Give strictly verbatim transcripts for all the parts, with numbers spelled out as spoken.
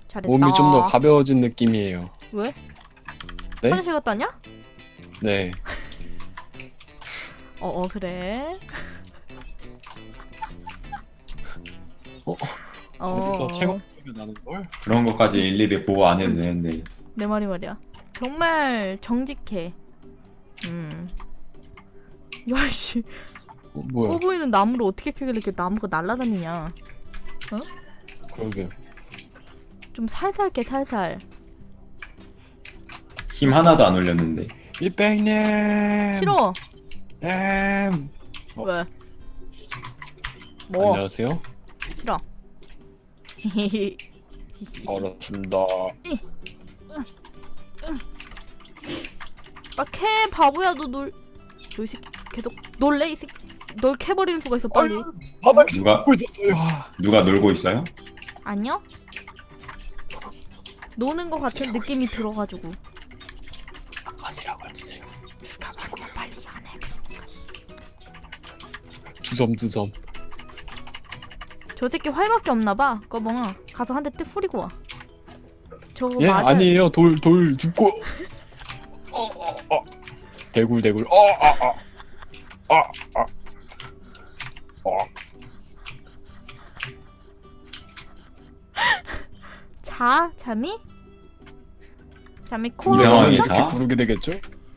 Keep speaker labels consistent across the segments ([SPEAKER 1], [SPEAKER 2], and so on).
[SPEAKER 1] 잘했다.
[SPEAKER 2] 몸이 좀 더 가벼워진 느낌이에요.
[SPEAKER 1] 왜?
[SPEAKER 2] 네?
[SPEAKER 1] 화장실 갔다 왔냐?
[SPEAKER 2] 네.
[SPEAKER 1] 어어 그래.
[SPEAKER 2] 어?
[SPEAKER 1] 어.
[SPEAKER 2] 어디서 체감 소리가 나는 걸?
[SPEAKER 3] 그런 것까지 일일이 보고 안 해도 되는데.
[SPEAKER 1] 내 말이 말이야. 정말 정직해. 음. 야씨.
[SPEAKER 2] 어, 뭐야?
[SPEAKER 1] 꼬보이는 나무를 어떻게 캐길래 이렇게 나무가 날아다니냐?
[SPEAKER 2] 그러게.
[SPEAKER 1] 좀 살살 캐 살살.
[SPEAKER 3] 힘 하나도 안 올렸는데.
[SPEAKER 2] 이백님.
[SPEAKER 1] 싫어.
[SPEAKER 2] 엠. 어.
[SPEAKER 1] 왜? 뭐?
[SPEAKER 2] 안녕하세요.
[SPEAKER 1] 싫어.
[SPEAKER 2] 알았습니다.
[SPEAKER 1] 아 캐 바보야 너 놀. 너 이 새끼 계속 놀래 이 새끼. 널 캐버리는 수가 있어 빨리.
[SPEAKER 2] 아유, 바닥에
[SPEAKER 3] 누가-
[SPEAKER 2] 짚고 있었어요. 아,
[SPEAKER 3] 누가 놀고 있어요?
[SPEAKER 1] 아니요? 노는 거 같은 느낌이 들어가지고.
[SPEAKER 2] 아니라고 해주세요.
[SPEAKER 1] 죽여가지고 빨리 안 해.
[SPEAKER 2] 주섬주섬.
[SPEAKER 1] 저 새끼 활밖에 없나봐. 꺼멍아 가서 한 대 때 후리고 와. 저거
[SPEAKER 2] 예?
[SPEAKER 1] 맞아요.
[SPEAKER 2] 아니에요. 돌, 돌 줍고. 어, 어, 어. 대굴, 대굴. 어, 아, 아. 아, 아. 어.
[SPEAKER 1] 자 잠이? 잠이
[SPEAKER 2] 이
[SPEAKER 1] 코어
[SPEAKER 3] 상황에
[SPEAKER 2] 상황이
[SPEAKER 3] 자?
[SPEAKER 2] 이렇게 부르게 되겠죠?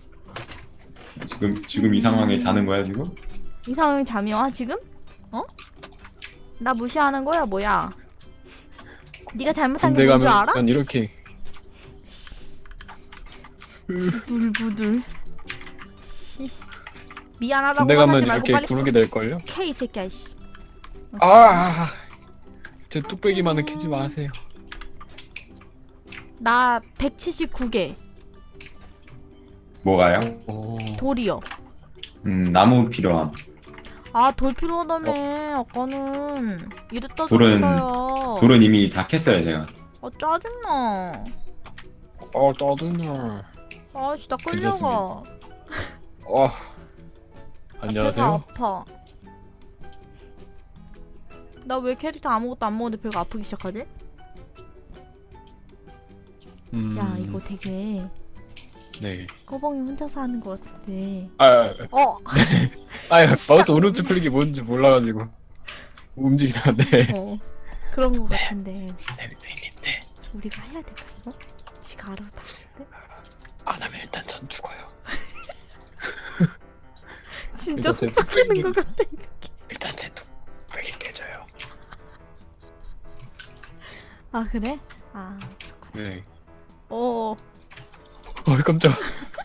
[SPEAKER 3] 지금 지금 이 상황에 자는 거야 지금?
[SPEAKER 1] 이 상황이 잠이 와 지금? 어? 나 무시하는 거야 뭐야? 네가 잘못한
[SPEAKER 2] 군대
[SPEAKER 1] 게 뭔 줄
[SPEAKER 2] 가면
[SPEAKER 1] 알아?
[SPEAKER 2] 난 이렇게.
[SPEAKER 1] 부들부들. 씨. 미안하다고
[SPEAKER 2] 군대 가면
[SPEAKER 1] 화나지 말고
[SPEAKER 2] 이렇게
[SPEAKER 1] 빨리
[SPEAKER 2] 부르게 될걸요?
[SPEAKER 1] 캐 이 새끼야 씨.
[SPEAKER 2] 아, 아, 아. 제 뚝배기만은 캐지 마세요.
[SPEAKER 1] 나 백칠십구 개
[SPEAKER 3] 뭐가요?
[SPEAKER 2] 오.
[SPEAKER 1] 돌이요.
[SPEAKER 3] 음 나무 필요함.
[SPEAKER 1] 아 돌 필요하다며 아까는 이랬다
[SPEAKER 3] 돌은-
[SPEAKER 1] 저랬어요.
[SPEAKER 3] 돌은 이미 다 캤어요 제가.
[SPEAKER 1] 아 짜증나.
[SPEAKER 2] 어, 짜증나.
[SPEAKER 1] 아씨 나 끌려가.
[SPEAKER 2] 어.
[SPEAKER 1] 배가
[SPEAKER 2] 안녕하세요.
[SPEAKER 1] 아파. 나 왜 캐릭터 아무것도 안 먹었는데 배가 아프기 시작하지?
[SPEAKER 2] 음.
[SPEAKER 1] 야 이거 되게
[SPEAKER 2] 네.
[SPEAKER 1] 꺼벙이 혼자서 하는 것 같은데.
[SPEAKER 2] 아, 아,
[SPEAKER 1] 어.
[SPEAKER 2] 아,
[SPEAKER 1] 진짜.
[SPEAKER 2] 마우스 오른쪽 클릭이 뭔지 몰라가지고 움직이는데.
[SPEAKER 1] 어. 그런 것 같은데.
[SPEAKER 2] 네, 네, 네.
[SPEAKER 1] 우리가 해야 될까 이거? 지가 알아서 다 하는데?
[SPEAKER 2] 안 하면 일단 전 죽어요.
[SPEAKER 1] 진짜
[SPEAKER 2] 이거 제
[SPEAKER 1] 속삭이는
[SPEAKER 2] 뚝배기.
[SPEAKER 1] 것 같아.
[SPEAKER 2] 일단 제 뚝배기 깨져요.
[SPEAKER 1] 아 그래? 아.
[SPEAKER 2] 네.
[SPEAKER 1] 어.
[SPEAKER 2] 어, 깜짝.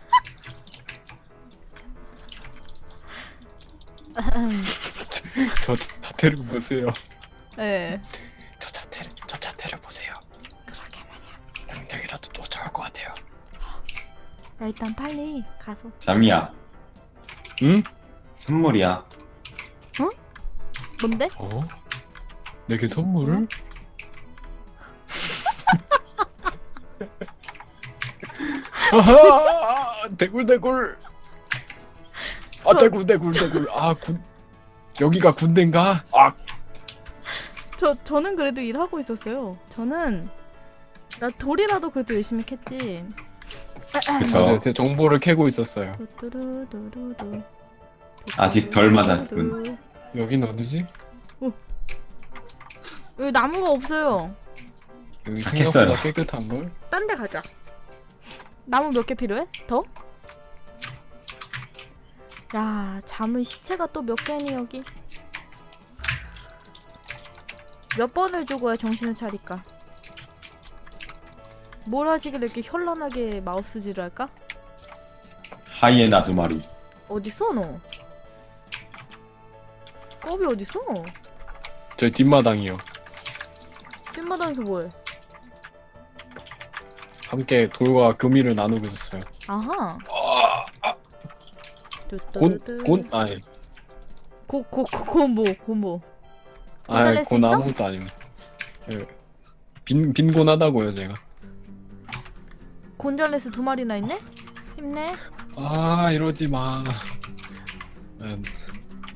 [SPEAKER 2] 저 자태를 보세요.
[SPEAKER 1] 네.
[SPEAKER 2] 저 자태를, 저 자태를 보세요.
[SPEAKER 1] 그러게 말이야.
[SPEAKER 2] 당장이라도 쫓아올 것 같아요.
[SPEAKER 1] 야 일단 빨리 가서.
[SPEAKER 3] 잠이야.
[SPEAKER 2] 응?
[SPEAKER 3] 선물이야.
[SPEAKER 1] 뭔데?
[SPEAKER 2] 어? 내게 선물을? 아하! 대굴 대굴. 아
[SPEAKER 1] 저-
[SPEAKER 2] 대굴 대굴 대굴. 아 군. 여기가 군대인가? 아.
[SPEAKER 1] 저 저는 그래도 일하고 있었어요. 저는 나 돌이라도 그래도 열심히 캤지.
[SPEAKER 3] 그쵸.
[SPEAKER 2] 네, 제 정보를 캐고 있었어요.
[SPEAKER 1] 뚜뚜루뚜루뚜.
[SPEAKER 3] 아직 덜 맞았군.
[SPEAKER 2] 여긴 어디지?
[SPEAKER 1] 여기 나무가 없어요.
[SPEAKER 2] 여기
[SPEAKER 3] 다
[SPEAKER 2] 생각보다
[SPEAKER 3] 캤어요.
[SPEAKER 2] 깨끗한 걸?
[SPEAKER 1] 딴 데 가자. 나무 몇 개 필요해? 더? 야, 잠은 시체가 또 몇 개니 여기? 몇 번을 죽어야 정신을 차릴까? 뭘 하시길래 이렇게 현란하게 마우스질을 할까?
[SPEAKER 3] 하이에나 두 마리.
[SPEAKER 1] 어딨어 너? 껍이 어딨어?
[SPEAKER 2] 저희 뒷마당이요.
[SPEAKER 1] 뒷마당에서 뭐해?
[SPEAKER 2] 함께 돌과 금이를 나누고 있었어요.
[SPEAKER 1] 아하.
[SPEAKER 2] 곤, 곤, 아니,
[SPEAKER 1] 고, 고, 고, 고모, 고모.
[SPEAKER 2] 아니,
[SPEAKER 1] 잘릴 수
[SPEAKER 2] 곤
[SPEAKER 1] 있어?
[SPEAKER 2] 아무것도 아닙니다. 예. 빈, 빈곤하다고요, 제가.
[SPEAKER 1] 곤잘레스 두 마리나 있네? 힘내.
[SPEAKER 2] 아, 이러지 마. 음,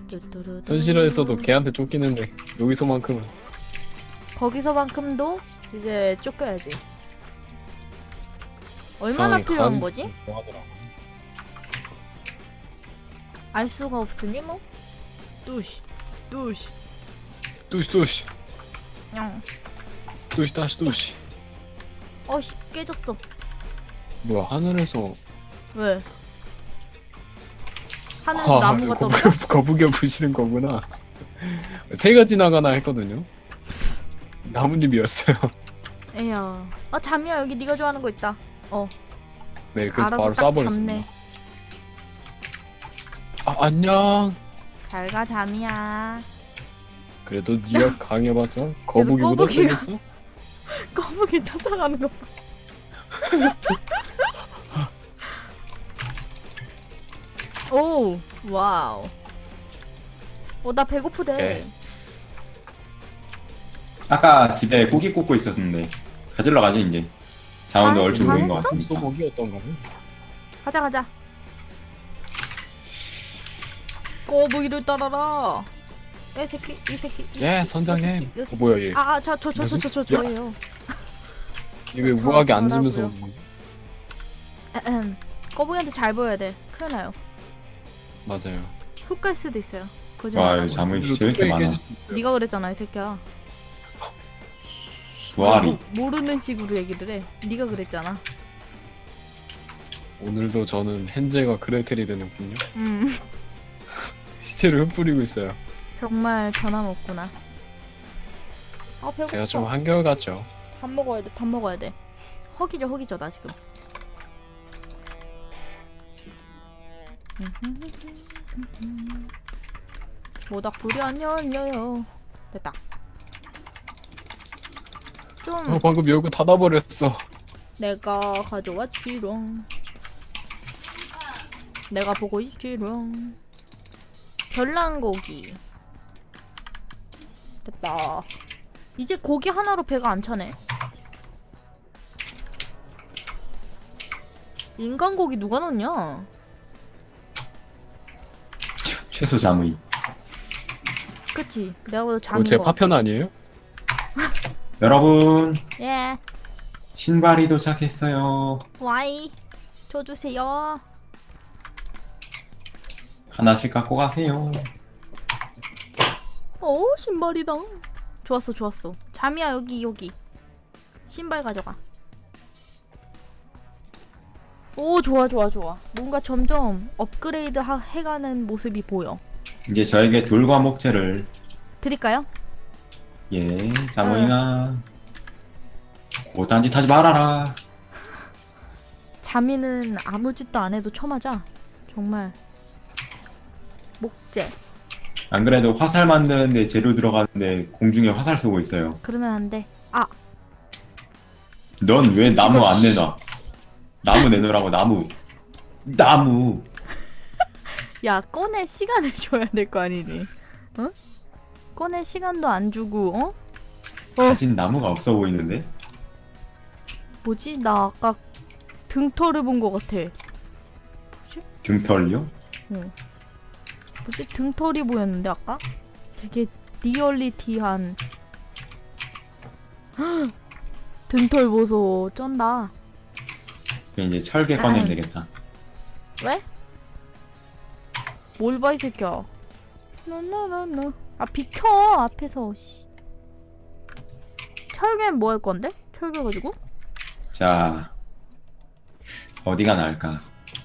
[SPEAKER 1] 뚜뚜루뚜.
[SPEAKER 2] 현실에서도 걔한테 쫓기는데, 여기서만큼은.
[SPEAKER 1] 거기서만큼도 이제 쫓겨야지. 얼마나
[SPEAKER 2] 상황이
[SPEAKER 1] 필요한
[SPEAKER 2] 간-
[SPEAKER 1] 거지?
[SPEAKER 2] 좋아하더라고.
[SPEAKER 1] 알 수가 없으니 뭐. 뚜시, 뚜시,
[SPEAKER 2] 뚜시 뚜시
[SPEAKER 1] 냥.
[SPEAKER 2] 뚜시 다시 뚜시.
[SPEAKER 1] 어씨 깨졌어.
[SPEAKER 2] 뭐야 하늘에서
[SPEAKER 1] 왜? 하늘에서 나무가
[SPEAKER 2] 거북이,
[SPEAKER 1] 떨어져?
[SPEAKER 2] 거북이 부시는 거구나. 새가 지나가나 했거든요. 나뭇잎이었어요.
[SPEAKER 1] 에야. 아 잠이야 여기 네가 좋아하는 거 있다. 어.
[SPEAKER 2] 네, 그래서
[SPEAKER 1] 알아서
[SPEAKER 2] 바로
[SPEAKER 1] 딱
[SPEAKER 2] 쏴버렸습니다.
[SPEAKER 1] 잡네.
[SPEAKER 2] 아 안녕.
[SPEAKER 1] 잘가 잠이야.
[SPEAKER 2] 그래도 네가 강해봤자 거북이보다
[SPEAKER 1] 거북이가-
[SPEAKER 2] 세겠어?
[SPEAKER 1] 거북이 쫓아가는 거 봐. 오 와우. 어나 배고프대.
[SPEAKER 2] 네.
[SPEAKER 3] 아까 집에 고기 굽고 있었는데 가지러 가지 이제. 자원도
[SPEAKER 1] 아,
[SPEAKER 3] 얼추
[SPEAKER 1] 다
[SPEAKER 3] 모인 것
[SPEAKER 1] 했어?
[SPEAKER 3] 같으니까.
[SPEAKER 2] 소고기였던가요?
[SPEAKER 1] 가자 가자. 거북이를 따라라. 이 새끼 이 새끼. 이
[SPEAKER 2] 예
[SPEAKER 1] 새끼,
[SPEAKER 2] 선장님.
[SPEAKER 1] 이 새끼, 이
[SPEAKER 2] 어,
[SPEAKER 1] 새끼.
[SPEAKER 2] 뭐야 얘?
[SPEAKER 1] 아, 저, 저, 저, 저, 저, 저, 저예요.
[SPEAKER 2] 이게 왜
[SPEAKER 1] 저-
[SPEAKER 2] 우아하게 앉으면서
[SPEAKER 1] 저라고요.
[SPEAKER 2] 오는 거야?
[SPEAKER 1] 에헴. 거북이한테 잘 보여야 돼. 큰일 나요.
[SPEAKER 2] 맞아요.
[SPEAKER 1] 훅 갈 수도 있어요.
[SPEAKER 3] 와
[SPEAKER 1] 거짓말.
[SPEAKER 3] 여기 자문이
[SPEAKER 2] 그리고
[SPEAKER 3] 진짜 왜 이렇게
[SPEAKER 2] 뚝배기
[SPEAKER 3] 많아.
[SPEAKER 2] 깨질 수 있어요.
[SPEAKER 1] 네가 그랬잖아, 이 새끼야.
[SPEAKER 3] 수아리.
[SPEAKER 1] 모, 모르는 식으로 얘기를 해. 네가 그랬잖아.
[SPEAKER 2] 오늘도 저는 헨젤과 그레텔이 되는군요.
[SPEAKER 1] 음.
[SPEAKER 2] 시체를 흩뿌리고 있어요.
[SPEAKER 1] 정말 변함없구나. 아 배고파.
[SPEAKER 2] 제가 좀 한결같죠.
[SPEAKER 1] 밥 먹어야 돼. 밥 먹어야 돼. 허기져 허기져 나 지금. 모닥불이 안 열려요. 됐다. 좀
[SPEAKER 2] 어, 방금 열고 닫아버렸어.
[SPEAKER 1] 내가 가져왔지롱. 내가 보고 있지롱. 별난고기. 됐다. 이제 고기 하나로 배가 안 차네. 인간 고기 누가 넣냐?
[SPEAKER 3] 최소 자문이.
[SPEAKER 1] 그치? 내가 봐도
[SPEAKER 2] 그거 제
[SPEAKER 1] 장인 거.
[SPEAKER 2] 파편 아니에요?
[SPEAKER 3] 여러분
[SPEAKER 1] 예.
[SPEAKER 3] 신발이 도착했어요.
[SPEAKER 1] 와이. 줘주세요.
[SPEAKER 3] 하나씩 갖고 가세요.
[SPEAKER 1] 오 신발이다. 좋았어 좋았어. 잠이야 여기 여기. 신발 가져가. 오 좋아 좋아 좋아. 뭔가 점점 업그레이드 하, 해가는 모습이 보여.
[SPEAKER 3] 이제 저에게 돌과 목재를
[SPEAKER 1] 드릴까요?
[SPEAKER 3] 예 자문이가 고단짓 하지 말아라.
[SPEAKER 1] 자미는 아무 짓도 안 해도 쳐맞아. 정말. 목재.
[SPEAKER 3] 안 그래도 화살 만드는데 재료 들어가는데 공중에 화살 쏘고 있어요.
[SPEAKER 1] 그러면 안 돼. 아
[SPEAKER 3] 넌 왜 나무
[SPEAKER 1] 이거
[SPEAKER 3] 안
[SPEAKER 1] 씨.
[SPEAKER 3] 내놔? 나무 내놓으라고 나무. 나무.
[SPEAKER 1] 야 꺼낼 시간을 줘야 될 거 아니니? 어? 꺼낼 시간도 안 주고 어?
[SPEAKER 3] 가진 나무가 없어 보이는데?
[SPEAKER 1] 뭐지? 나 아까 등털을 본 거 같아. 뭐지?
[SPEAKER 3] 등털이요?
[SPEAKER 1] 어. 뭐지? 등털이 보였는데 아까? 되게 리얼리티한 헉! 등털 보소 쩐다.
[SPEAKER 3] 그럼 이제 철개
[SPEAKER 1] 아.
[SPEAKER 3] 꺼내면 되겠다.
[SPEAKER 1] 왜? 뭘 봐 이 새끼야. 나나나나. 아 비켜 앞에서. 씨. 철개는 뭐 할 건데? 철개 가지고?
[SPEAKER 3] 자 어디가 나을까?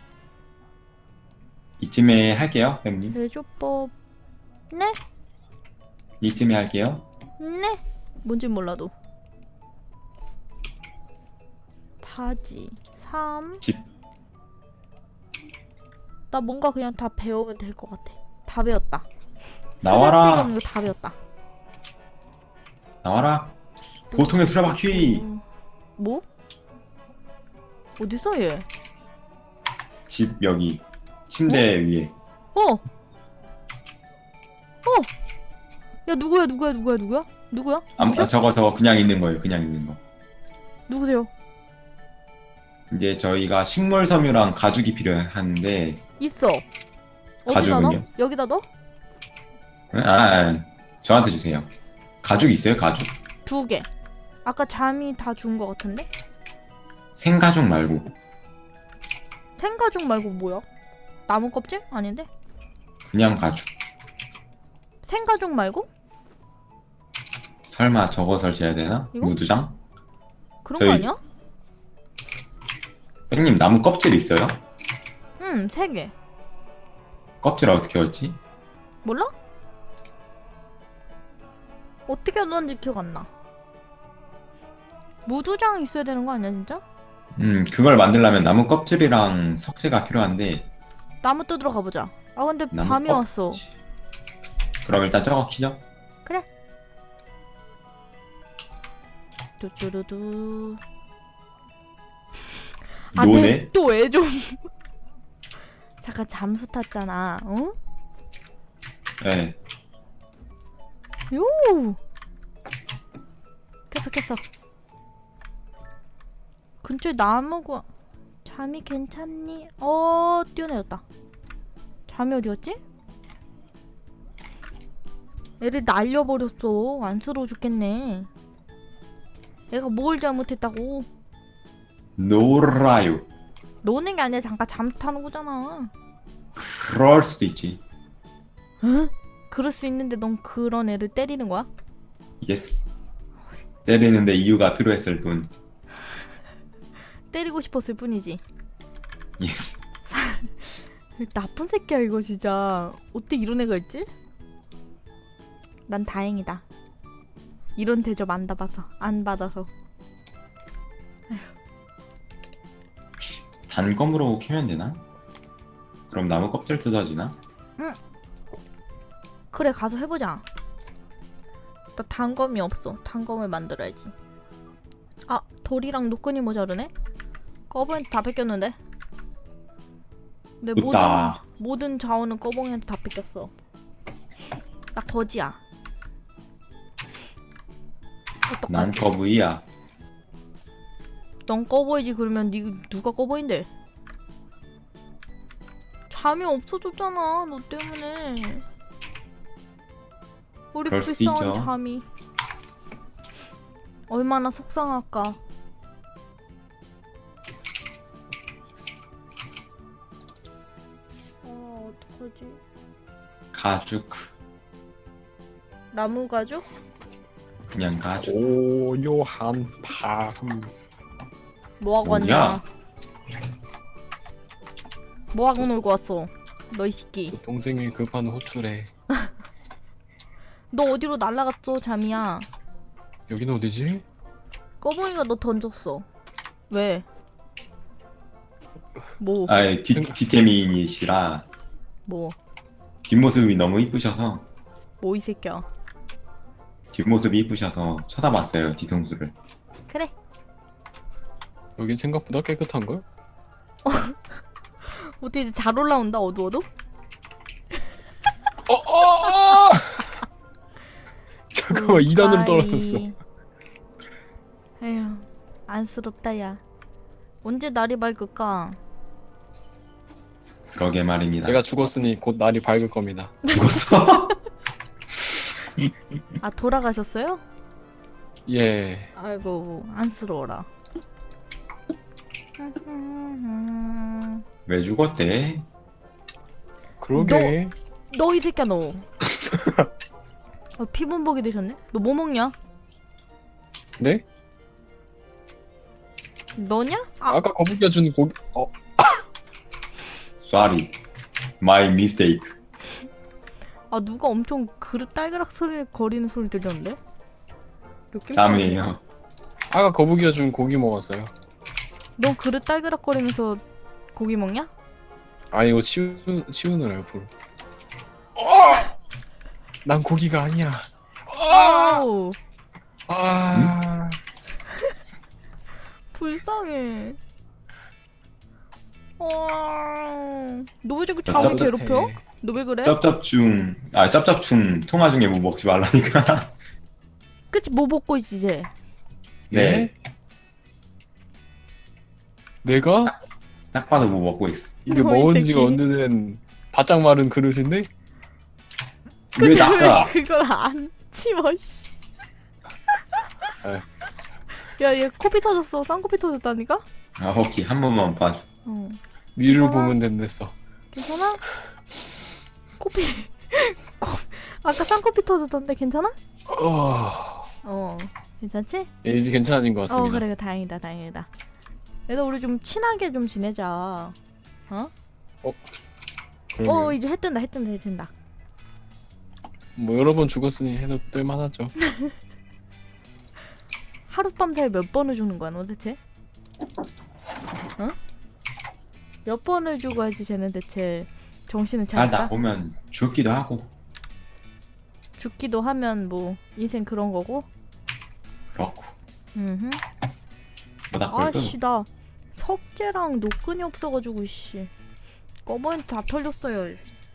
[SPEAKER 3] 이쯤에 할게요, 형님.
[SPEAKER 1] 제조법. 네?
[SPEAKER 3] 이쯤에 할게요.
[SPEAKER 1] 네? 뭔진 몰라도. 바지 삼.
[SPEAKER 3] 집.
[SPEAKER 1] 나 뭔가 그냥 다 배우면 될 것 같아. 다 배웠다.
[SPEAKER 3] 나와라.
[SPEAKER 1] 쓰잘데기 없는 거 다 배웠다.
[SPEAKER 3] 나와라. 보통의 수레바퀴.
[SPEAKER 1] 음, 뭐? 어디서 얘?
[SPEAKER 3] 집 여기 침대 위에.
[SPEAKER 1] 어! 어! 야 누구야 누구야 누구야 누구야? 누구야?
[SPEAKER 3] 아,
[SPEAKER 1] 누구죠?
[SPEAKER 3] 아, 저거 저거 그냥 있는 거예요. 그냥 있는 거.
[SPEAKER 1] 누구세요?
[SPEAKER 3] 이제 저희가 식물 섬유랑 가죽이 필요한데.
[SPEAKER 1] 있어. 어디다
[SPEAKER 3] 가죽은요?
[SPEAKER 1] 넣어? 여기다 넣어?
[SPEAKER 3] 아, 아, 아, 저한테 주세요. 가죽 있어요? 가죽.
[SPEAKER 1] 두 개. 아까 잠이 다 준 거 같은데?
[SPEAKER 3] 생가죽 말고.
[SPEAKER 1] 생가죽 말고 뭐야? 나무 껍질? 아닌데?
[SPEAKER 3] 그냥 가죽.
[SPEAKER 1] 생가죽 말고?
[SPEAKER 3] 설마 저거 설치해야 되나?
[SPEAKER 1] 이거?
[SPEAKER 3] 무두장?
[SPEAKER 1] 그런
[SPEAKER 3] 저희-
[SPEAKER 1] 거 아니야?
[SPEAKER 3] 뺑님 나무 껍질 있어요?
[SPEAKER 1] 응, 세 개.
[SPEAKER 3] 껍질 어떻게 얻지?
[SPEAKER 1] 몰라? 어떻게 얻었는지 기억 안 나. 무두장 있어야 되는 거 아니야, 진짜?
[SPEAKER 3] 음 그걸 만들려면 나무 껍질이랑 석재가 필요한데
[SPEAKER 1] 나무 뜯으러 가보자. 아, 근데
[SPEAKER 3] 나무
[SPEAKER 1] 밤이
[SPEAKER 3] 껍-
[SPEAKER 1] 왔어.
[SPEAKER 3] 그럼 일단 저거 키죠?
[SPEAKER 1] 그래. 뚜뚜루두. 아,
[SPEAKER 3] 노네?
[SPEAKER 1] 또 애 좀. 잠깐 잠수 탔잖아. 어?
[SPEAKER 3] 네.
[SPEAKER 1] 요. 깼어 깼어. 근처에 나무가. 잠이 괜찮니? 어, 뛰어내렸다. 잠이 어디였지? 애를 날려버렸어. 안쓰러워 죽겠네. 애가 뭘 잘못했다고.
[SPEAKER 3] 놀아요.
[SPEAKER 1] 노는 게 아니라 잠깐 잠수 타는 거잖아.
[SPEAKER 3] 그럴 수도 있지.
[SPEAKER 1] 응? 그럴 수 있는데 넌 그런 애를 때리는 거야?
[SPEAKER 3] 예스. 때리는데 이유가 필요했을 뿐.
[SPEAKER 1] 때리고 싶었을 뿐이지.
[SPEAKER 3] 예스.
[SPEAKER 1] 나쁜 새끼야 이거 진짜. 어떻게 이런 애가 있지? 난 다행이다. 이런 대접 안 받아서 안 받아서.
[SPEAKER 3] 단검으로 캐면 되나? 그럼 나무 껍질 뜯어지나?
[SPEAKER 1] 그래 가서 해보자. 나 단검이 없어. 단검을 만들어야지. 아 돌이랑 노끈이 모자르네? 꺼봉이한테 다 뺏겼는데? 내 모든
[SPEAKER 3] 좋다.
[SPEAKER 1] 모든 자원은 꺼봉이한테 다 뺏겼어. 나 거지야.
[SPEAKER 3] 난
[SPEAKER 1] 어떡하지?
[SPEAKER 3] 거부이야.
[SPEAKER 1] 넌 꺼보이지. 그러면 니 누가 꺼보인데? 잠이 없어졌잖아 너 때문에. 우리
[SPEAKER 3] 그럴 수도
[SPEAKER 1] 불쌍한
[SPEAKER 3] 있죠.
[SPEAKER 1] 잠이 얼마나 속상할까. 아 어떡하지?
[SPEAKER 3] 가죽.
[SPEAKER 1] 나무 가죽?
[SPEAKER 3] 그냥 가죽.
[SPEAKER 2] 고요한 밤.
[SPEAKER 1] 뭐하고
[SPEAKER 3] 뭐냐?
[SPEAKER 1] 왔냐? 뭐하고 놀고 왔어? 너 이 새끼.
[SPEAKER 2] 동생이 급한 호출에.
[SPEAKER 1] 너 어디로 날라갔어 잠이야?
[SPEAKER 2] 여기는 어디지?
[SPEAKER 1] 꺼봉이가 너 던졌어. 왜? 뭐?
[SPEAKER 3] 아이 뒷 뒷태민이시라
[SPEAKER 1] 뭐?
[SPEAKER 3] 뒷모습이 너무 이쁘셔서
[SPEAKER 1] 뭐 이 새끼야?
[SPEAKER 3] 뒷모습이 이쁘셔서 쳐다봤어요 뒤통수를.
[SPEAKER 1] 그래.
[SPEAKER 2] 여긴 생각보다 깨끗한걸?
[SPEAKER 1] 어떻게 이제 잘 올라온다 어두워도?
[SPEAKER 2] 어, 어, 어! 잠깐만 이 단으로 떨어졌어.
[SPEAKER 1] 에휴 안쓰럽다 야. 언제 날이 밝을까?
[SPEAKER 3] 그러게 말입니다.
[SPEAKER 2] 제가 죽었으니 곧 날이 밝을 겁니다.
[SPEAKER 3] 죽었어?
[SPEAKER 1] 아 돌아가셨어요?
[SPEAKER 2] 예.
[SPEAKER 1] 아이고 안쓰러워라.
[SPEAKER 3] 왜 죽었대?
[SPEAKER 2] 그러게.
[SPEAKER 1] 너 이 새끼야 너. 아, 피본복이 되셨네? 너 뭐 먹냐?
[SPEAKER 2] 네?
[SPEAKER 1] 너냐? 아,
[SPEAKER 2] 아까 거북이가 준 고기. 어.
[SPEAKER 3] Sorry, my mistake.
[SPEAKER 1] 아 누가 엄청 그릇 딸그락 소리 거리는 소리 들렸는데? 느낌?
[SPEAKER 3] 짬이에요.
[SPEAKER 2] 아까 거북이가 준 고기 먹었어요.
[SPEAKER 1] 너 그릇 딸그락 거리면서 고기 먹냐?
[SPEAKER 2] 아니 이거 치우 치우느라 옆으로. 난 고기가 아니야.
[SPEAKER 1] 아우
[SPEAKER 2] 아.
[SPEAKER 1] 불쌍해. 어... 너왜 자꾸
[SPEAKER 3] 나
[SPEAKER 1] 자원
[SPEAKER 3] 짭짭해.
[SPEAKER 1] 괴롭혀? 너 왜 그래?
[SPEAKER 3] 짭짭충, 아 짭짭충 통화 중에 뭐 먹지 말라니까.
[SPEAKER 1] 그치 뭐 먹고 있지 이제?
[SPEAKER 3] 네.
[SPEAKER 2] 예? 내가
[SPEAKER 3] 딱 봐도 뭐 먹고 있어.
[SPEAKER 2] 이게
[SPEAKER 1] 너이
[SPEAKER 2] 먹은 지가
[SPEAKER 1] 새끼.
[SPEAKER 2] 언제는 바짝 마른 그릇인데?
[SPEAKER 3] 왜 낚아?
[SPEAKER 1] 왜 그걸 안 치워 씨. 야얘 코피 터졌어. 쌍코피 터졌다니까?
[SPEAKER 3] 아 오케이 한 번만 봐줘.
[SPEAKER 1] 어.
[SPEAKER 2] 위를
[SPEAKER 1] 괜찮아?
[SPEAKER 2] 보면 된댔어.
[SPEAKER 1] 괜찮아? 코피 코 아까 쌍코피 터졌던데 괜찮아?
[SPEAKER 2] 어,
[SPEAKER 1] 어 괜찮지?
[SPEAKER 2] 예, 이제 괜찮아진 것
[SPEAKER 1] 어
[SPEAKER 2] 같습니다.
[SPEAKER 1] 그래 다행이다 다행이다. 그래도 우리 좀 친하게 좀 지내자. 어?
[SPEAKER 2] 그러게요.
[SPEAKER 1] 어 이제 해 뜬다 해 뜬다 해 뜬다.
[SPEAKER 2] 뭐 여러 번 죽었으니 해도 뜰만하죠.
[SPEAKER 1] 하룻밤 사이에 몇 번을 죽는 거야 너 대체? 어? 몇 번을 죽어야지 쟤는 대체 정신을
[SPEAKER 3] 살다
[SPEAKER 1] 차릴까?
[SPEAKER 3] 보면 죽기도 하고
[SPEAKER 1] 죽기도 하면 뭐 인생 그런 거고.
[SPEAKER 3] 그렇고
[SPEAKER 1] 음흠.
[SPEAKER 3] 뭐다 그래도
[SPEAKER 1] 아씨 나 석재랑 노끈이 없어가지고 씨 꺼버린 다 털렸어요.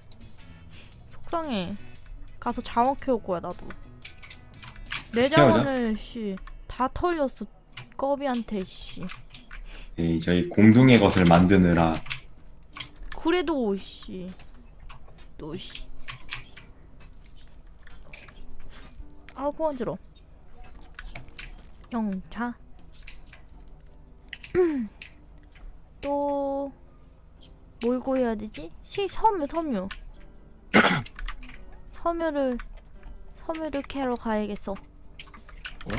[SPEAKER 1] 속상해. 가서 자원 캐올 거야 나도. 내
[SPEAKER 3] 키워자?
[SPEAKER 1] 자원을 씨 다 털렸어 꺼비한테 씨.
[SPEAKER 3] 예, 저희 공동의 것을 만드느라
[SPEAKER 1] 그래도 씨 또 씨. 아 고안지러. 영차. 또 뭘 구해야 되지? 시 섬유 섬유. 섬유를 섬유를 캐러 가야겠어.
[SPEAKER 2] 뭐야?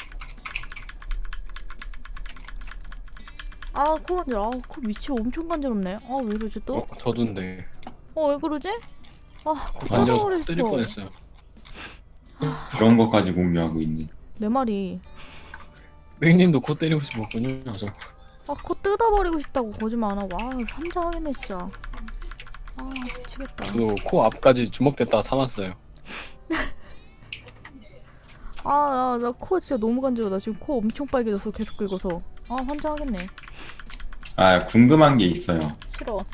[SPEAKER 1] 아 코 간지러. 아코 위치 엄청 간지럽네. 아 왜 이러지 또?
[SPEAKER 2] 어, 저도인데.
[SPEAKER 1] 어 왜 그러지? 아코
[SPEAKER 2] 간지러
[SPEAKER 1] 떨어버릴
[SPEAKER 2] 때릴
[SPEAKER 1] 뻔.
[SPEAKER 2] 뻔했어요.
[SPEAKER 3] 그런 것까지 공유하고 있네.
[SPEAKER 1] 내 말이.
[SPEAKER 2] 맹님도 코 때리고 싶었군요. 저.
[SPEAKER 1] 아 코 뜯어버리고 싶다고 거짓말 안 하고. 아 환장하겠네 진짜. 아 미치겠다.
[SPEAKER 2] 저도 코 앞까지 주먹댔다가 참았어요.
[SPEAKER 1] 아 나 코 진짜 너무 간지러워. 나 지금 코 엄청 빨개져서 계속 긁어서. 아 환장하겠네.
[SPEAKER 3] 아 궁금한 게 있어요.
[SPEAKER 1] 싫어.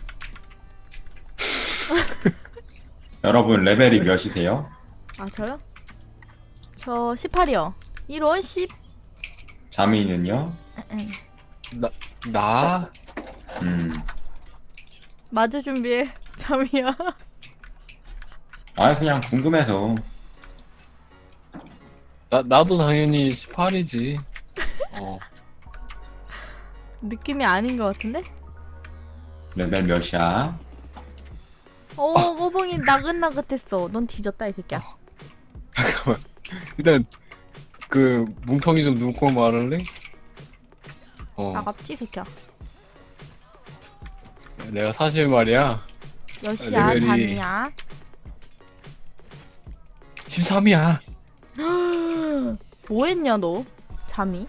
[SPEAKER 3] 여러분 레벨이 몇이세요?
[SPEAKER 1] 아 저요? 저 십팔이요. 이런 십.
[SPEAKER 3] 자미는요?
[SPEAKER 2] 나 나.
[SPEAKER 3] 음.
[SPEAKER 1] 마주 준비해. 잠이야.
[SPEAKER 3] 아 그냥 궁금해서.
[SPEAKER 2] 나 나도 당연히 십팔이지. 어.
[SPEAKER 1] 느낌이 아닌 것 같은데?
[SPEAKER 3] 레벨 몇이야?
[SPEAKER 1] 어 꼬봉이 나긋나긋했어. 넌 뒤졌다 이 새끼야.
[SPEAKER 2] 잠깐만. 일단 그 뭉텅이 좀 누고 말할래? 어.
[SPEAKER 1] 나갑지 이 새끼야.
[SPEAKER 2] 내가 사실 말이야.
[SPEAKER 1] 몇이야
[SPEAKER 2] 레벨이-
[SPEAKER 1] 잠이야.
[SPEAKER 2] 십삼이야.
[SPEAKER 1] 뭐했냐 너? 잠이?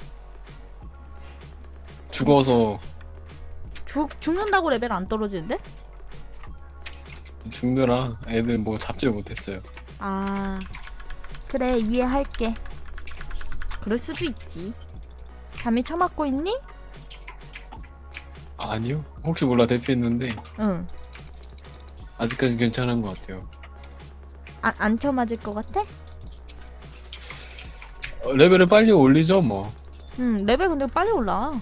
[SPEAKER 2] 죽어서
[SPEAKER 1] 죽 죽는다고 레벨 안 떨어지는데?
[SPEAKER 2] 죽느라 애들 뭐 잡질 못했어요.
[SPEAKER 1] 아 그래 이해할게. 그럴 수도 있지. 잠이 처맞고 있니?
[SPEAKER 2] 아니요. 혹시 몰라 대피했는데
[SPEAKER 1] 응.
[SPEAKER 2] 아직까지 괜찮은 것 같아요.
[SPEAKER 1] 안, 안 처맞을 것 같아?
[SPEAKER 2] 어, 레벨을 빨리 올리죠 뭐.
[SPEAKER 1] 응 레벨 근데 빨리 올라.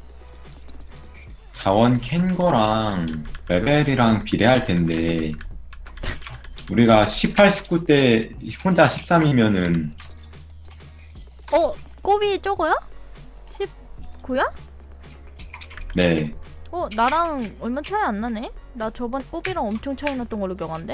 [SPEAKER 3] 자원 캔 거랑 레벨이랑 비례할 텐데 우리가 십팔, 십구 때 혼자 십삼이면은
[SPEAKER 1] 어? 꼬비 저거야? 십구야?
[SPEAKER 3] 네
[SPEAKER 1] 어 나랑 얼마 차이 안 나네? 나 저번 꼬비랑 엄청 차이 났던 걸로 기억하는데?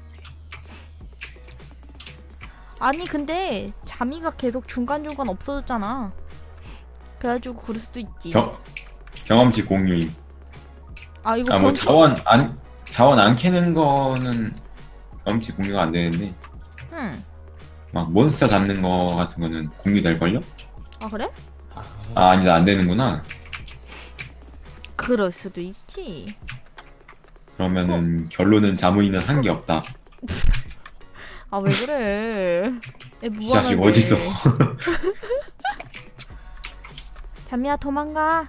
[SPEAKER 1] 아니 근데 자미가 계속 중간중간 없어졌잖아. 그래가지고 그럴 수도 있지.
[SPEAKER 3] 경, 경험치 공유임.
[SPEAKER 1] 아 이거
[SPEAKER 3] 아 뭐
[SPEAKER 1] 경치-
[SPEAKER 3] 자원 안 자원 안 캐는 거는 경험치 공유가 안 되는데
[SPEAKER 1] 응.
[SPEAKER 3] 막 몬스터 잡는 거 같은 거는 공유될 걸요?
[SPEAKER 1] 아 그래?
[SPEAKER 3] 아 아니다 안 되는구나.
[SPEAKER 1] 그럴 수도 있지.
[SPEAKER 3] 그러면은 결론은 자무이는 한 게 없다.
[SPEAKER 1] 아 왜 그래? 애
[SPEAKER 3] 이 자식
[SPEAKER 1] 무한한데.
[SPEAKER 3] 어딨어?
[SPEAKER 1] 잠이야 도망가.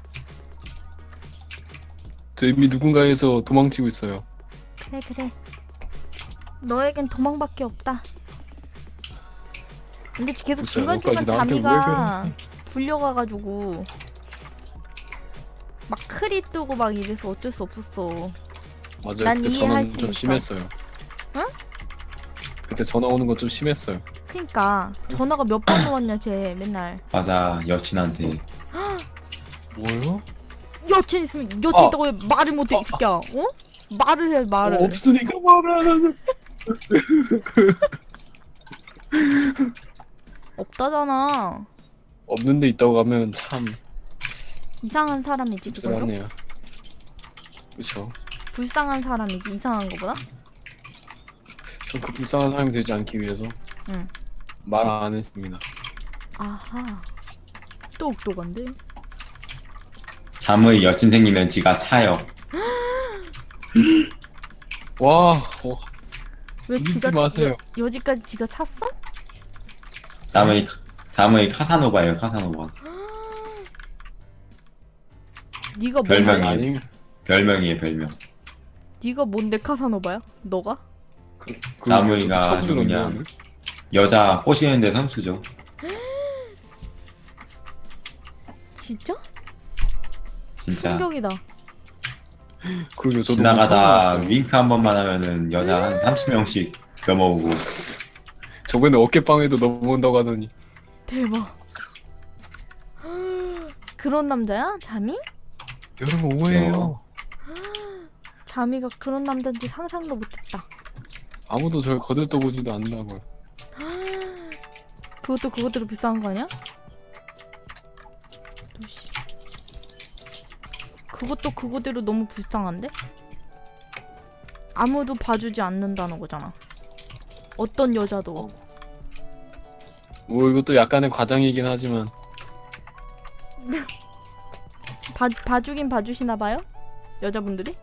[SPEAKER 2] 저 이미 누군가에서 도망치고 있어요.
[SPEAKER 1] 그래 그래. 너에겐 도망밖에 없다. 근데 계속
[SPEAKER 2] 진짜
[SPEAKER 1] 중간중간
[SPEAKER 2] 너까지 나한테 왜
[SPEAKER 1] 자미가
[SPEAKER 2] 그래?
[SPEAKER 1] 불려가가지고 막 크리 뜨고 막 이래서 어쩔 수 없었어.
[SPEAKER 2] 맞아요.
[SPEAKER 1] 난
[SPEAKER 2] 그때
[SPEAKER 1] 이해할
[SPEAKER 2] 저는
[SPEAKER 1] 수
[SPEAKER 2] 좀
[SPEAKER 1] 있어.
[SPEAKER 2] 심했어요.
[SPEAKER 1] 응?
[SPEAKER 2] 그때 전화 오는 건 좀 심했어요.
[SPEAKER 1] 그니까 전화가 몇 번 왔냐 쟤 맨날.
[SPEAKER 3] 맞아, 여친한테.
[SPEAKER 2] 뭐요?
[SPEAKER 1] 여친 있으면 여친
[SPEAKER 2] 어.
[SPEAKER 1] 있다고 왜 말을 못해 이 새끼야. 어? 말을 해 말을.
[SPEAKER 2] 어, 없으니까 말을 안 하는.
[SPEAKER 1] 없다잖아.
[SPEAKER 2] 없는데 있다고 하면 참
[SPEAKER 1] 이상한 사람이지 그거죠?
[SPEAKER 2] 씁쓸하네요. 그쵸.
[SPEAKER 1] 불쌍한 사람이지 이상한 거보다?
[SPEAKER 2] 전 그 불쌍한 사람이 되지 않기 위해서
[SPEAKER 1] 응.
[SPEAKER 2] 말 안 했습니다.
[SPEAKER 1] 아하. 똑똑한데?
[SPEAKER 3] 자무의 여친 생기면 지가 차요.
[SPEAKER 2] 와, 어,
[SPEAKER 1] 왜
[SPEAKER 2] 믿지
[SPEAKER 1] 지가
[SPEAKER 2] 마세요.
[SPEAKER 1] 여, 여지까지 지가 찼어?
[SPEAKER 3] 자무의 자무의 카사노바예요, 카사노바.
[SPEAKER 1] 네가
[SPEAKER 3] 별명이.
[SPEAKER 1] 뭔데?
[SPEAKER 2] 아니,
[SPEAKER 3] 별명이에요, 별명.
[SPEAKER 1] 네가 뭔데 카사노바야? 너가?
[SPEAKER 2] 그, 그
[SPEAKER 3] 자무이가
[SPEAKER 2] 처음
[SPEAKER 3] 아주
[SPEAKER 2] 들었네요,
[SPEAKER 3] 그냥
[SPEAKER 2] 오늘.
[SPEAKER 3] 여자 꼬시는데 선수죠.
[SPEAKER 1] 진짜?
[SPEAKER 3] 진짜.
[SPEAKER 1] 충격이다.
[SPEAKER 2] 그러게 저도
[SPEAKER 3] 지나가다
[SPEAKER 2] 오늘 처음 알았어요.
[SPEAKER 3] 윙크 한 번만 하면은 여자 한 삼십 명씩 넘어오고.
[SPEAKER 2] 저번에 어깨빵에도 넘어온다고 하더니
[SPEAKER 1] 대박. 그런 남자야? 잠이?
[SPEAKER 2] 여러분 오해예요.
[SPEAKER 1] 잠이가 그런 남자인지 상상도 못했다.
[SPEAKER 2] 아무도 절 거들떠보지도 않는다고요.
[SPEAKER 1] 그것도 그것대로 비싼 거 아니야? 도시. 그것도 그거대로 너무 불쌍한데? 아무도 봐주지 않는다는 거잖아. 어떤 여자도.
[SPEAKER 2] 뭐 이것도 약간의 과장이긴 하지만
[SPEAKER 1] 봐, 봐주긴 봐주시나 봐요? 여자분들이?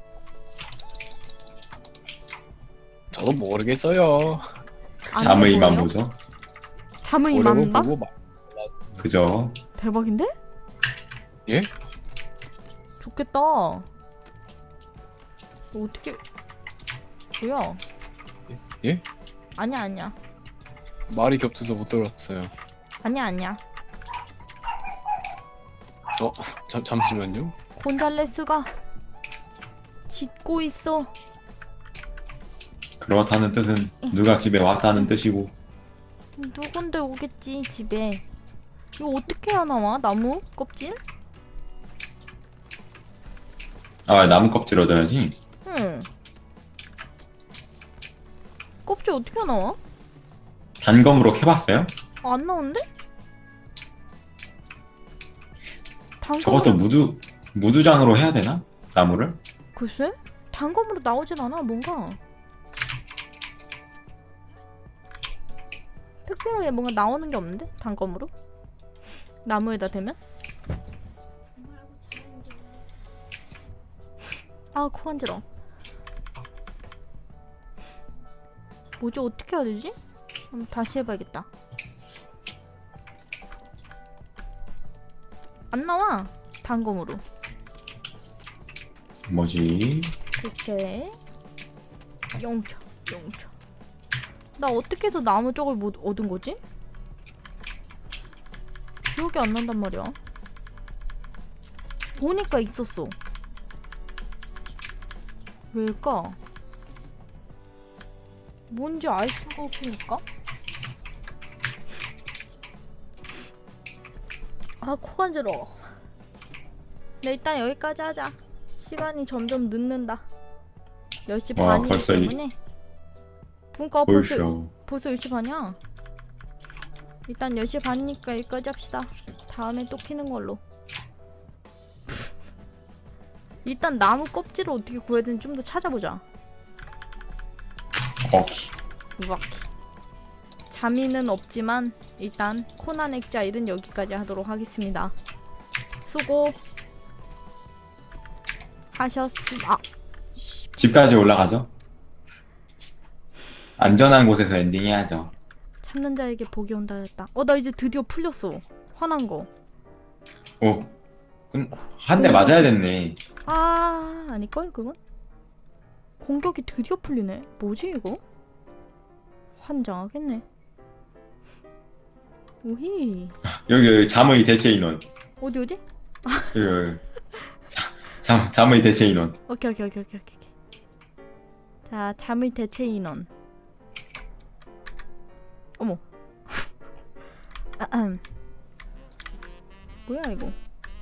[SPEAKER 2] 저도 모르겠어요.
[SPEAKER 1] 안
[SPEAKER 3] 자무이만
[SPEAKER 1] 해보여요?
[SPEAKER 3] 보죠.
[SPEAKER 1] 자무이만
[SPEAKER 2] 오래고
[SPEAKER 1] 봐?
[SPEAKER 2] 보고 막
[SPEAKER 3] 그죠?
[SPEAKER 1] 대박인데?
[SPEAKER 2] 예?
[SPEAKER 1] 좋겠다. 너 어떻게 뭐야?
[SPEAKER 2] 예?
[SPEAKER 1] 아니야 아니야
[SPEAKER 2] 말이 겹쳐서 못 들었어요.
[SPEAKER 1] 아니야 아니야.
[SPEAKER 2] 어, 잠 잠시만요.
[SPEAKER 1] 곤잘레스가 짖고 있어.
[SPEAKER 3] 그렇다는 뜻은 누가 집에 왔다는 뜻이고.
[SPEAKER 1] 누군데 오겠지 집에. 이거 어떻게 해야 나와? 나무 껍질?
[SPEAKER 3] 아, 나무 껍질 얻어야지.
[SPEAKER 1] 응. 껍질 어떻게 나와?
[SPEAKER 3] 단검으로 캐봤어요?
[SPEAKER 1] 아, 안 나오는데? 단검으로
[SPEAKER 3] 저것도 무두 무두장으로 해야 되나? 나무를?
[SPEAKER 1] 글쎄? 단검으로 나오진 않아 뭔가. 특별하게 뭔가 나오는 게 없는데? 단검으로? 나무에다 대면? 아, 코 간지러워. 뭐지? 어떻게 해야 되지? 한번 다시 해봐야겠다. 안 나와! 단검으로.
[SPEAKER 3] 뭐지?
[SPEAKER 1] 이렇게 영차 영차. 나 어떻게 해서 나무 쪽을 못 얻은 거지? 기억이 안 난단 말이야. 보니까 있었어. 왜일까? 뭔지 알 수가 없으니까? 아, 코 간지러워. 네, 일단 여기까지 하자. 시간이 점점 늦는다. 열 시
[SPEAKER 3] 와,
[SPEAKER 1] 반이기
[SPEAKER 3] 벌써 이-
[SPEAKER 1] 때문에. 그러니까 벌써,
[SPEAKER 3] 벌써.
[SPEAKER 1] 벌써 열 시 반이야. 일단 열 시 반이니까 여기까지 합시다. 다음에 또 키는 걸로. 일단 나무 껍질을 어떻게 구해야 되는지 좀 더 찾아보자.
[SPEAKER 3] 오케이.
[SPEAKER 1] 우악. 자미는 없지만 일단 코난 액자일은 여기까지 하도록 하겠습니다. 수고 하셨습니다. 아,
[SPEAKER 3] 집까지 올라가죠. 안전한 곳에서 엔딩 해야죠.
[SPEAKER 1] 참는 자에게 복이 온다 했다. 어, 나 이제 드디어 풀렸어. 화난 거.
[SPEAKER 3] 오. 한 대 맞아야 됐네.
[SPEAKER 1] 아, 아닐걸 그건? 공격이 드디어 풀리네. 뭐지 이거? 환장하겠네. 오히.
[SPEAKER 3] 여기, 여기 자무의 대체 인원.
[SPEAKER 1] 어디 어디?
[SPEAKER 3] 여기, 여기. 자, 자, 자무의 대체 인원.
[SPEAKER 1] 오케이 오케이 오케이 오케이 오케이. 자, 잠의 대체 인원. 어머. 아흠. 뭐야 이거?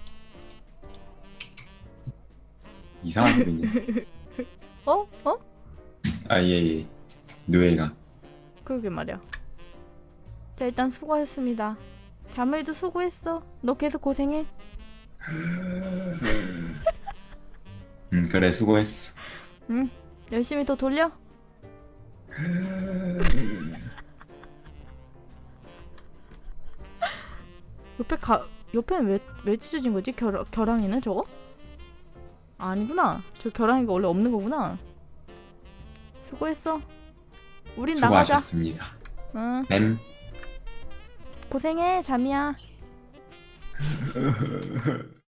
[SPEAKER 3] 이상한 소리네.
[SPEAKER 1] 어? 어?
[SPEAKER 3] 아, 예, 예. 노예가.
[SPEAKER 1] 그러게 말이야. 자 일단 수고하셨습니다. 자무이도 수고했어. 너 계속 고생해.
[SPEAKER 3] 음, 그래, 수고했어.
[SPEAKER 1] 응. 열심히 더 돌려. 옆에 가 옆에는 왜 왜 찢어진 거지? 결 결항이는 저거? 아니구나. 저 결항이가 원래 없는 거구나. 수고했어. 우린 나가자.
[SPEAKER 3] 수고하셨습니다.
[SPEAKER 1] 응.
[SPEAKER 3] 램.
[SPEAKER 1] 고생해, 잠이야.